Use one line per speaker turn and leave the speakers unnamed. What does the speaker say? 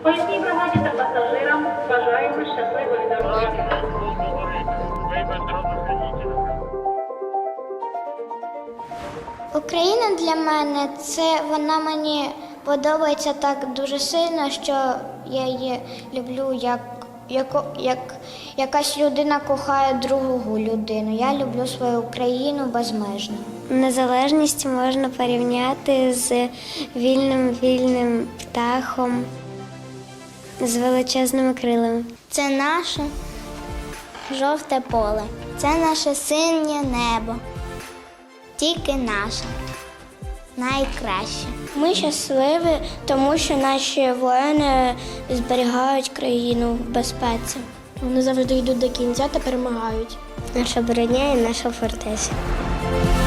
Поїзній бригаді та пасажирам бажаємо щасливої дороги.
Україна для мене вона мені подобається так дуже сильно, що я її люблю, як якась людина кохає другу людину. Я люблю свою Україну безмежно. Незалежність можна порівняти з вільним птахом, з величезними крилами. Це наше жовте поле, це наше синє небо. Тільки наше, найкраще. Ми щасливі, тому що наші воїни зберігають країну в безпеці. Вони завжди йдуть до кінця та перемагають. Наша броня і наша фортеця.